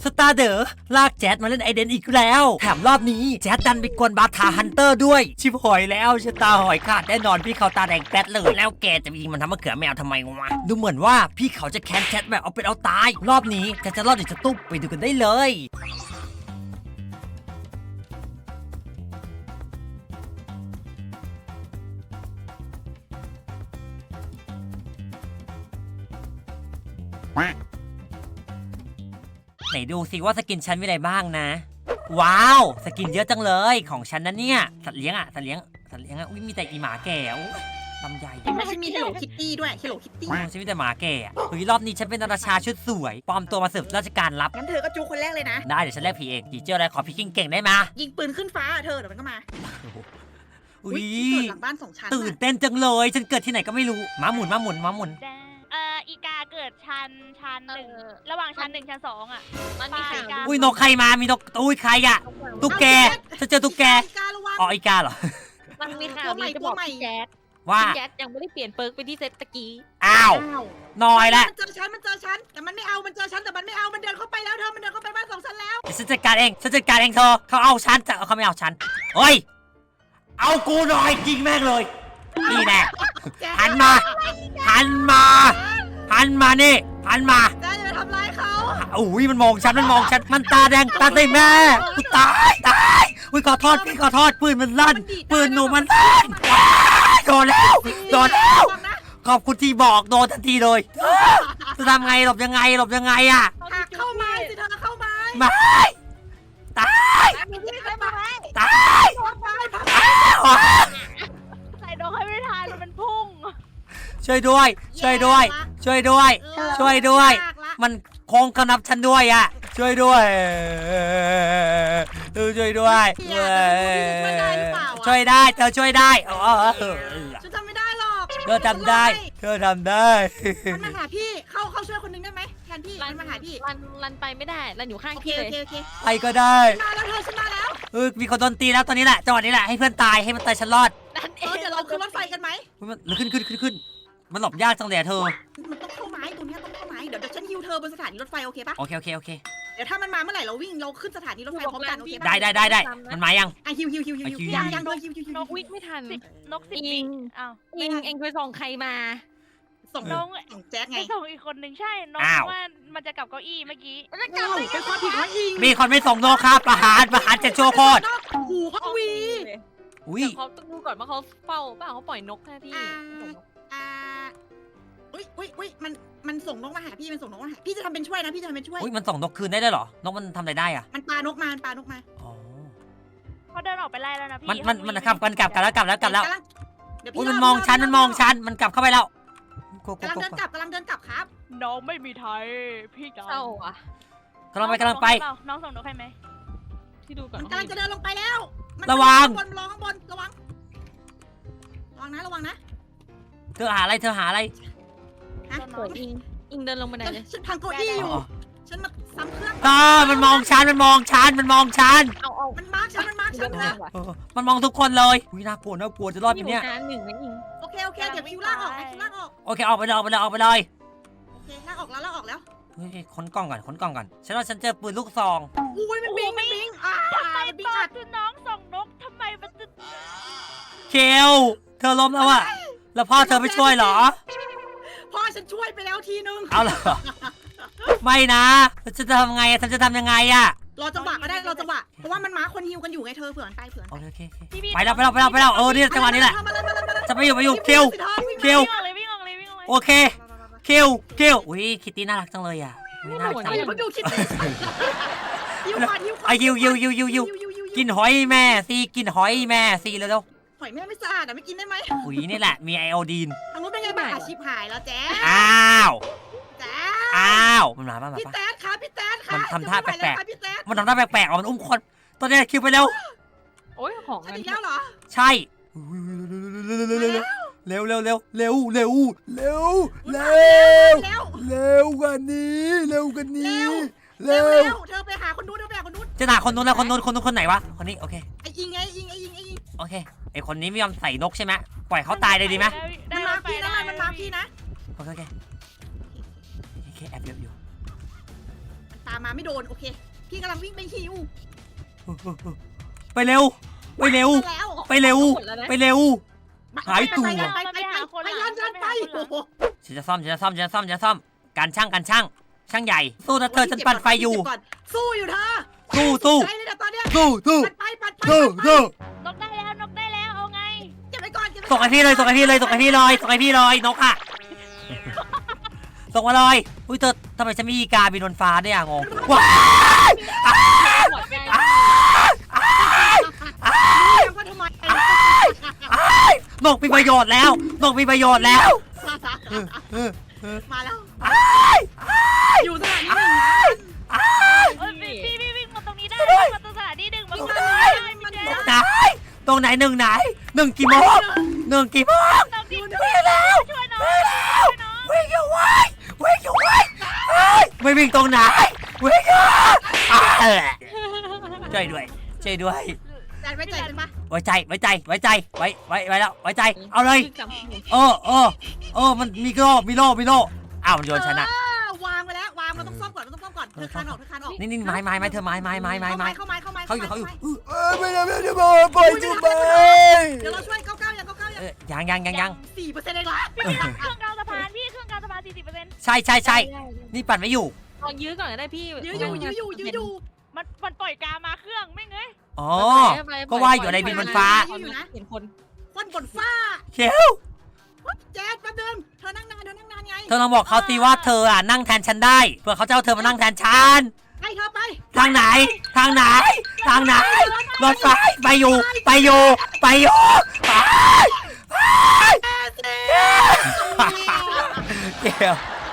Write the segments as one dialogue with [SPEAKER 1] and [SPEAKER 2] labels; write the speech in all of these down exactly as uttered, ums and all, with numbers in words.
[SPEAKER 1] สตาร์เดอร์ลากแจ๊ดมาเล่นไอเดนอีกแล้วแถมรอบนี้แจ๊ดดันไปกวนบาทาฮันเตอร์ด้วยชิบหอยแล้วชะตาหอยขาดแน่นอนพี่เขาตาแดงแป๊ดเลยแล้วแกจะยิงมันทำมะเขือแมวทำไมวะดูเหมือนว่าพี่เขาจะแค้นแจ๊ดแบบเอาเป็นเอาตายรอบนี้แจ๊ดจะรอดหรือจะตุ๊บไปดูกันได้เลยไหนดูสิว่าสกินฉันมีอะไรบ้างนะว้าวสกินเยอะจังเลยของฉันนะเนี่ยสัตว์เลี้ยงอะสัตว์เลี้ยงสัตว์เลี้ยงอะอุ้ยมีแต่อีหมาแก่ลำใหญ่
[SPEAKER 2] ไม่ใช่มีเฮลโลคิตตี้ด้วยเฮลโลคิตตี้
[SPEAKER 1] ฉันมีแต่หมาแก่อะเฮ้ยรอบนี้ฉันเป็นราชาชุดสวยปลอมตัวมาสืบราชการลับ
[SPEAKER 2] งั้นเธอก็จูคนแรกเลยนะ
[SPEAKER 1] ได้เดี๋ยวฉันแลกผีเองจีเจ้าอะไรขอพี่กิ้งเก่งได้มา
[SPEAKER 2] ยิงปืนขึ้นฟ้าเธอเดี๋ยวมันก็มา
[SPEAKER 1] อุ้ย
[SPEAKER 2] หลังบ้านสองชั้น
[SPEAKER 1] ตื่นเต้นจังเลยฉันเกิดที่ไหนก็ไม่รู้ม้าหมุนม้าหมุนม้าหมุน
[SPEAKER 3] เอ่ออีกาเกิดชั้นชั้นหนึ่งระหว่างชั้นหนึ่งชั้นสองอ่ะ
[SPEAKER 2] มันมีข่าว
[SPEAKER 1] อุ้ยนกใครมามีนกอุ้ยใครอะตุ๊กแกฉันเจอตุ๊กแกอ๋ออีกาเหรอ
[SPEAKER 4] มันมีข่าวดีจะบอกพี่แจ๊ด
[SPEAKER 1] ว่า
[SPEAKER 4] พี่แจ๊ดยังไม่ได้เปลี่ยนเปิร์กไปที่เซตตะกี้
[SPEAKER 1] อ้าวน้อยแล้ว
[SPEAKER 2] มันเจอฉันมันเจอฉันแต่มันไม่เอามันเจอฉันแต่มันไม่เอามันเดินเข้าไปแล้วเธอมันเดินเข้าไปบ้านสองชั้นแล้ว
[SPEAKER 1] ฉันจัดการเองฉันจัดการเองเธอเขาเอาฉันแต่เขาไม่เอาฉันเฮ้ยเอากูหน่อยจริงแม่งเลยนี่แน่หันมาหันมาหันมานี่หันมา
[SPEAKER 2] จะจะทำร้ายเขา
[SPEAKER 1] อุ้ยมันมองฉันมันมองฉันมันตาแดงตาใส่แม่กูตายตายอุ้ยขอโทษพี่ขอโทษปืนมันลั่นปืนหนูมันลั่นโดนแล้วโดนแล้วขอบคุณที่บอกโดนทันทีเลยจะทำไงหลบยังไงหลบยังไงอะ
[SPEAKER 2] หักเข้าไม้สิเธอเข้าไม้
[SPEAKER 1] ไม่ตายตาย
[SPEAKER 3] ใส่ดอกให้ไม่ทันมันพุ่ง
[SPEAKER 1] ช่วยด้วยช่วยด้วยช่วยด้วยช่วยด้วยมันโค้งกระนับฉันด้วยอะช่วยด้วยเออช่วยด้วยช่วยได้เธอช่วยได้
[SPEAKER 2] ฉันทำไม่ได้หรอก
[SPEAKER 1] เธอทำได้เธอทำได้
[SPEAKER 2] มันมาหาพี่เข้าเข้าช่วยคนนึงได้ไหมแทนพี่รันมาหาพี่
[SPEAKER 4] รันรันไปไม่ได้รันอยู่ข้างพี่เลย
[SPEAKER 1] ไปก็ได้
[SPEAKER 2] มาแล้วเธอฉันมาแล้ว
[SPEAKER 1] เออมีคนโดนตีแล้วตอนนี้แหละจังหวะนี้แหละให้เพื่อนตายให้มันตายฉันรอด
[SPEAKER 2] เออเดี๋ยวเราขึ้นรถไฟกันไหม
[SPEAKER 1] มันขึ้นขึ้นขึ้นขึ้นมันหลบยากจังเลยเธอ
[SPEAKER 2] มันต้องเข้าไม้ตรงนี้ต้องเข้าไม้เดี๋ยวเดี๋ยวฉันฮิวเธอบนสถานีรถไฟโอเคปะ
[SPEAKER 1] โอเคโอเคโอเค
[SPEAKER 2] เดี๋ยวถ้ามันมาเมื่อไหร่เราวิ่งเราขึ้นสถานีรถไฟพร้อมกันโอเค
[SPEAKER 1] ได้ได้ได้ได้มันมายัง
[SPEAKER 2] อ่ะฮิวฮิวฮิวฮิวยังยังเลยฮิวฮิวฮิวน
[SPEAKER 4] กวิ่งไม่ทัน
[SPEAKER 3] นกสิบวิอ้าว
[SPEAKER 4] อิงเองไปส่งใครมา
[SPEAKER 2] ส่งน้องส่งแจ๊กไง
[SPEAKER 3] ส่งอีกคนหนึ่งใช่น้องว่ามันจะกลับเก้าอี้เมื่อกี้
[SPEAKER 2] จะกลับไปเป็นความผิดของอิง
[SPEAKER 1] มีคนไม่ส่งโนครับประหารประหารจะโชว์โคตร
[SPEAKER 2] หูเขาวี
[SPEAKER 1] อุ้ย
[SPEAKER 4] เขาต้องดูก่อนว่าเขาเฝ้าเปล่าเขาปล่อยนกแค่พี่
[SPEAKER 2] อ่าอุ้ยอุ้ยอุ้ยมันมันส่งนกมาหาพี่มันส่งนกมาหาพี่จะทำเป็นช่วยนะพี่จะทำเป็นช่วย
[SPEAKER 1] อุ้ยมันส่งนกคืนได้ด้วยเหรอนกมันทำอะไรได้อะ
[SPEAKER 2] มันปลานกมามันปลานกมา
[SPEAKER 1] อ๋อ
[SPEAKER 3] เขาเดินออกไปไล่แล้วนะพี่
[SPEAKER 1] มันมันมันกลับกันกลับกันแล้วกลับแล้วกลับแล้ว
[SPEAKER 2] อุ้ย
[SPEAKER 1] มันมองฉันมันมองฉันมันกลับเข้าไปแล้ว
[SPEAKER 2] กำลังเดินกลับกำลังเดินกลับครับ
[SPEAKER 3] น้องไม่มีไทยพี่
[SPEAKER 4] เศร้าอ่ะ
[SPEAKER 1] กำลังไปกำลังไป
[SPEAKER 3] น้องส่งนกให้ไหม
[SPEAKER 4] ที่ดูก่อน
[SPEAKER 2] มันกำลังจะเดินลงไปแล้ว
[SPEAKER 1] ระวัง
[SPEAKER 2] บนรอข้างบนระวังระวังนะระวังนะ
[SPEAKER 1] เธอหาอะไรเธอหาอะไร
[SPEAKER 2] ฮะ
[SPEAKER 4] อิงอิงเดินลงมาไหนเลย
[SPEAKER 2] ฉันพังเก้าอี้อยู่ฉันมาซ้ำเครื่อง
[SPEAKER 1] ก็มันมองฉันมันมองฉันมันมองฉัน
[SPEAKER 4] เอาเอา
[SPEAKER 2] มันมาร์กฉันมันมาร์กฉันนะ
[SPEAKER 1] มันมองทุกคนเลยอุ้ยน่ากลัวน่ากลัวจะรอดไหมเนี่ย
[SPEAKER 4] หนึ่งนะอิง
[SPEAKER 2] โอเคโอเคเดี๋ยวคิวลากออกคิวลากออก
[SPEAKER 1] โอเคออกไปเลยออกไปเลยออกไปเลย
[SPEAKER 2] โอเคลากออกแล้วลากออกแล้ว
[SPEAKER 1] เฮ้ยขนกล้องก่อนขนกล้องก่อนฉันว่าฉันเจอปืนลูกซอง
[SPEAKER 2] อุ้ยมันบิงมันบิงอ่า
[SPEAKER 3] ทำไมตอนที่น้องส่งนกทำไมมันจะ
[SPEAKER 1] เคลเธอล้มแล้วอะแล้วพ่อเธอไม่ช่วยเหรอ
[SPEAKER 2] พ่อฉันช่วยไปแล้วทีนึง
[SPEAKER 1] เอาเหรอไม่นะฉันจะทำไงฉันจะทำยังไงอะ
[SPEAKER 2] รอจังหวะก็ได้รอจังหวะเพราะว่ามันม้าคนฮิวกันอยู่ไงเธอเผื่อไปเผื่อ
[SPEAKER 1] โอเคไปแล้วไปแล้วไปแล้วไปแล้วเออนี่จังหวะนี้แหละจะไปอยู่ไปอยู่เคลเคลโอเคเคลเคลอุ้ยคิตตี้น่ารักจังเลยอ่ะ
[SPEAKER 2] น่ารักจังเลยดูคิตตี้ยิวยิว
[SPEAKER 1] ไอยิวยิวยิวยิวยิวกินหอยแม่ซีกินหอยแม่ซีเร็ว
[SPEAKER 2] หอยแม่ไม่สะอาดอ่ะไม่กินได้ไหม
[SPEAKER 1] อุ้ยนี่แหละมีไอโอดีน
[SPEAKER 2] ทางนู้นเป็นไงบ้างอาชีพหายแล้วแจ๊
[SPEAKER 1] อ้าว
[SPEAKER 2] แจ๊
[SPEAKER 1] อ้าวมันมาบ้าง
[SPEAKER 2] พี่แต๊ดค่ะพี่แต๊ดค่ะ
[SPEAKER 1] มันทำท่าแปลกๆมันทำท่าแปลกๆอ๋อมันอุ้มคนตอนนี้คิวไปเร็ว
[SPEAKER 4] โอ้ยของ
[SPEAKER 2] อันนี้แล้วเหรอ
[SPEAKER 1] ใช่เร็วเร็วเร็วเร็วเร็วเร็วเร็วเร็วกันนี้เร็วกันนี้
[SPEAKER 2] เร็วเธอไปหาคนนู้นเธอไปหาคนนู้น
[SPEAKER 1] จะหาคนนู้นแล้วคนนู้นคนนู้นคนไหนวะคนนี้โอเค
[SPEAKER 2] ไอ้ยิงไงยิงไอ้ยิงไอ้ยิง
[SPEAKER 1] โอเคไอ้คนนี้ไม่ยอมใส่นกใช่ไหมปล่อยเขาตายเลยดีไหม
[SPEAKER 2] มันมาพี่นะมันมาพี่นะ
[SPEAKER 1] โอเคโอเคโอเคแอบเยอะอยู่
[SPEAKER 2] ตามมาไม่โดนโอเค พี่กำลังวิ่งไปฮิว
[SPEAKER 1] ไปเร็ว ไปเร็ว
[SPEAKER 2] มาแล้ว
[SPEAKER 1] ไปเร็ว
[SPEAKER 4] หมดแล้วนะ
[SPEAKER 1] ไปเร็ว หายตัว
[SPEAKER 2] ไปไปไปไปไปยันยันไปโอ้โห
[SPEAKER 1] ฉันจะซ่อมฉันจะซ่อมฉันจะซ่อมฉันจะซ่อมการช่างการช่างช่างใหญ่สู้นะเธอฉันปั่นไฟอยู่
[SPEAKER 2] สู้อยู่เธอ
[SPEAKER 1] สู้สู้
[SPEAKER 2] ใจเลยนะตอนเนี้ย
[SPEAKER 1] สู้สู้
[SPEAKER 2] ปัดไปปัดไป
[SPEAKER 1] สู้สู้
[SPEAKER 3] นกได้แล้วนกได้แล้วเอาไง
[SPEAKER 2] เก็บไปก่อนเก็บไป
[SPEAKER 1] ส่งไอพี่เลยส่งไอพี่เลยส่งไอพี่เลยส่งไอพี่เลยนกอะส่งมาเลยอุ้ยเธอทำไมฉันมีอีกาบินบนฟ้าด้วยอะงงว้าย
[SPEAKER 4] หมดไง
[SPEAKER 2] ว่าทำไม
[SPEAKER 1] นกมีประโยชน์แล้วนกมีประโยชน์แล้ว
[SPEAKER 2] มาแล้ว
[SPEAKER 1] อ้ายอ้าย
[SPEAKER 2] อยู่สถานีหนึ่งนะ
[SPEAKER 1] อ้าย
[SPEAKER 3] เอ้ยพี่พี่พี่วิ่งมาตรงนี้ได้
[SPEAKER 1] ช่วยด้วย
[SPEAKER 3] มาตรงสถานีหนึ่งมา
[SPEAKER 2] วิ่
[SPEAKER 3] ตรง ง
[SPEAKER 2] มา
[SPEAKER 3] นี้
[SPEAKER 2] เลย
[SPEAKER 3] ได้
[SPEAKER 2] มัน
[SPEAKER 3] พี่
[SPEAKER 2] เดิน
[SPEAKER 1] ไหนตรงไหนหนึ่งไหนหนึ่งกี่โมงหนึ่งกี่โมง
[SPEAKER 3] น้องดิ
[SPEAKER 1] วิ่งแล้ว
[SPEAKER 3] ช่วยน้อง
[SPEAKER 1] วิ่งแล้ว
[SPEAKER 3] ช่วยน้อง
[SPEAKER 1] วิ่งอยู่ไว้วิ่งอยู่ไว้เฮ้ยไม่วิ่งตรงไหนวิ่งอยู่อ่ะเออช่วยด้วยช่วยด้วย
[SPEAKER 2] แต่ไม่ใจเป็นปะ
[SPEAKER 1] ไว้ใจไว้ใจไว้ใจไว้ไว้ไว้แล้วไว้ใจเอาเลย
[SPEAKER 4] จำผิด
[SPEAKER 1] เออเออเออมันมีโล่มีโล่มีโล่อ้าวมันโยนชนะ
[SPEAKER 2] วางไปแล้ววางเราต้องซ่อมก่อนเราต้องซ่อมก่อนเธอคานออกเธอคานออก
[SPEAKER 1] นี่นี่ไม้ไม้ไม้เธอไม้ไม้ไม้ไม้ไม้
[SPEAKER 2] เข้าไม้เข้าไม้
[SPEAKER 1] เขาอยู่เขาอยู่
[SPEAKER 2] เ
[SPEAKER 1] เออไม่ได้ไม่ได้บอกปล่อยจูบไป
[SPEAKER 2] ดี๋ยวเราช่วยเก้าเก้ายังเก้าเก้ายัง
[SPEAKER 1] เออยังยังยังยัง
[SPEAKER 2] สี่เปอร์เซ็นต์เองเหรอ
[SPEAKER 3] พี่มีเครื่องกลางสะพานพี่เครื่องกลางสะพานสี่สิบเปอร์เซ็นต์
[SPEAKER 1] ใช่ใช่ใช่นี่ปั่นไม่อยู่
[SPEAKER 4] ลองยื้อก่อนก็ได้พี่
[SPEAKER 2] ยื้ออยู่ยื้ออยู่ยื้ออยู่
[SPEAKER 3] มันมันปล่อยกามาเครื่องไม่เงย
[SPEAKER 1] อ๋อก็ว่าอยู่ในบินบนฟ้า
[SPEAKER 4] เห็นคน
[SPEAKER 2] คนบนฟ้า
[SPEAKER 1] เชล
[SPEAKER 2] แจ๊ดแป๊บนึงเธอนั่งนานเธอนั่งนานไง
[SPEAKER 1] เธอลองบอกเขาสิว่าเธออ่ะนั่งแทนฉันได้เพื่อเขาจะเอาเธอมานั่งแทนฉัน
[SPEAKER 2] ให้เธอไป
[SPEAKER 1] ทางไหน ทางไหน ทางไหนรถไฟไปอยู่ ไปอยู่ ไปอยู่ไปเดี๋ยว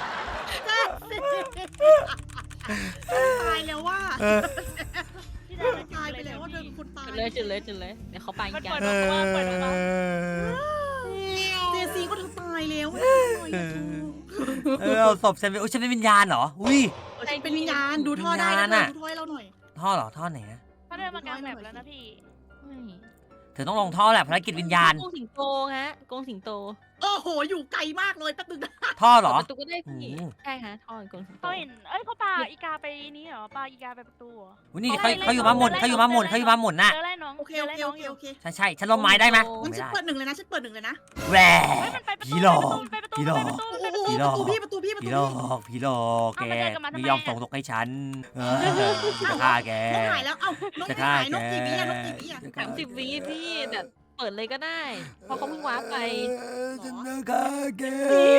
[SPEAKER 2] ตายแล้วว่า
[SPEAKER 1] เออ
[SPEAKER 3] พี่ดาว
[SPEAKER 2] ตายไปแล้วว่าเธอเป็นคนตาย
[SPEAKER 4] จุดเลยจุดเลยจุดเลยเดี๋ยวเขาไป
[SPEAKER 3] มัน
[SPEAKER 4] กั
[SPEAKER 3] เปิด
[SPEAKER 4] น
[SPEAKER 3] ออกมาเปิดออกมา
[SPEAKER 2] เจซีก็เธอตายแล้ว
[SPEAKER 1] เออเอาศพฉันไปอุ้ยฉันเป็นวิญญาณเหรออุ้ย
[SPEAKER 2] เป็นวิญญาณดูท่อได้นะดูท่อให้เราหน่อย
[SPEAKER 1] ท่อเหรอท่อไหนอะ
[SPEAKER 3] เขาเดินมากลางแบบแล้วนะพี่
[SPEAKER 1] เธอต้องลงท่อแหละภารกิจวิญญาณ
[SPEAKER 4] กงสิงโตฮะกงสิงโต
[SPEAKER 2] โอ้โหอยู่ไกลมากเลยแป๊บนึงนะ
[SPEAKER 1] ท่อเหรอ
[SPEAKER 4] ประตูก็ได้พี่
[SPEAKER 1] อืม
[SPEAKER 4] ใช่ฮะท่อกงสิงโต
[SPEAKER 3] เขาเห็นเอ้ยเขาปาอีกาไปนี้เหรอปาอีกาไปประตูเหรอ
[SPEAKER 1] อุ้ยนี่เขาเขาอยู่มาหมุนเขาอยู่มาหมุนเขาอยู่มาหมุนน่ะ
[SPEAKER 3] เจอไล่น้อง
[SPEAKER 2] โอเค
[SPEAKER 3] เจอ
[SPEAKER 2] โอ
[SPEAKER 3] ไล่
[SPEAKER 2] เค
[SPEAKER 3] น้
[SPEAKER 2] โอ
[SPEAKER 3] อง
[SPEAKER 2] เค
[SPEAKER 3] อยู่
[SPEAKER 2] โอเค
[SPEAKER 1] ใช่ใช่ฉันลมไม้ได้ไหม
[SPEAKER 2] งั้น
[SPEAKER 1] ไม่
[SPEAKER 2] ฉัน
[SPEAKER 1] ได้
[SPEAKER 2] เปิดหนึ่งเลยนะฉันเปิดหนึ่งเลยนะ
[SPEAKER 1] แหว
[SPEAKER 3] เฮ้ยมันไปประตู
[SPEAKER 1] ผีหลอก
[SPEAKER 3] ไปประตู
[SPEAKER 1] ผีหลอก
[SPEAKER 3] ไปประตู
[SPEAKER 2] โอ้โหประตูพี่ประตูพี่ประตู
[SPEAKER 1] พี่
[SPEAKER 2] พี่
[SPEAKER 1] หลอกพี่หลอกแกไม่ยอมส่งตกให้ฉันเออจะฆ่าแก
[SPEAKER 2] นกหายแล้วเอ้านก
[SPEAKER 1] จะ
[SPEAKER 2] ไม่
[SPEAKER 1] ฆ่า
[SPEAKER 2] หาย
[SPEAKER 1] แก
[SPEAKER 2] นกกี่วิอะนกกี่วิอะ
[SPEAKER 4] สามสิบวิพี่แต่เปิดเลยก็ได้เพราะเขาเพิ่งว้าร์ปไป
[SPEAKER 1] ฉันจะฆ่าแก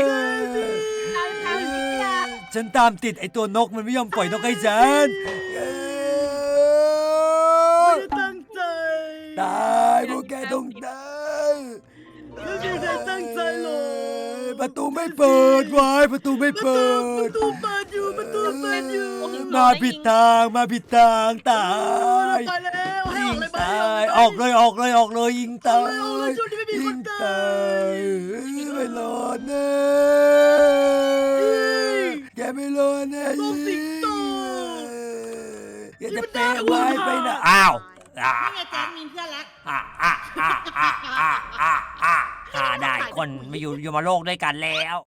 [SPEAKER 1] ฉันตามติดไอตัวนกมันไม่ยอมปล่อยนกให้ฉัน
[SPEAKER 2] ไม่ได้ตั้งใจ
[SPEAKER 1] ตายพวกแกต้องตาย
[SPEAKER 2] ไม่ได้ตั้งใจหรอก
[SPEAKER 1] ประตูไม่เปิดไว้ประตูไม่เปิ
[SPEAKER 2] ป
[SPEAKER 1] ด
[SPEAKER 2] ระตูเปิดอยู่ประตูเปิดอยู่
[SPEAKER 1] มาผิดทางมาผิดทางตาย
[SPEAKER 2] ตายแล้วให้
[SPEAKER 1] ยิ
[SPEAKER 2] ออง กเลยไหม
[SPEAKER 1] ตายออกเลยออกเลยออกเลยยิงตา
[SPEAKER 2] เอาเลยเอาเลย
[SPEAKER 1] ย
[SPEAKER 2] ช่วงนี้ไม่มีค
[SPEAKER 1] ยิ
[SPEAKER 2] น
[SPEAKER 1] ง
[SPEAKER 2] ตา
[SPEAKER 1] ตาย ยไม่รอดแน่แกไม่รอดแน่
[SPEAKER 2] ลูกสิงโต
[SPEAKER 1] แกจะเปะไว้ไปนะอ้าวอ่า
[SPEAKER 2] นี่ไงแจ๊คมีเพื่อนแล้ว
[SPEAKER 1] อ่าอ่าอ่าอ่าอ่าอ่าอ่าได้คนมาอยู่อยู่มาโลกด้วยกันแล้ว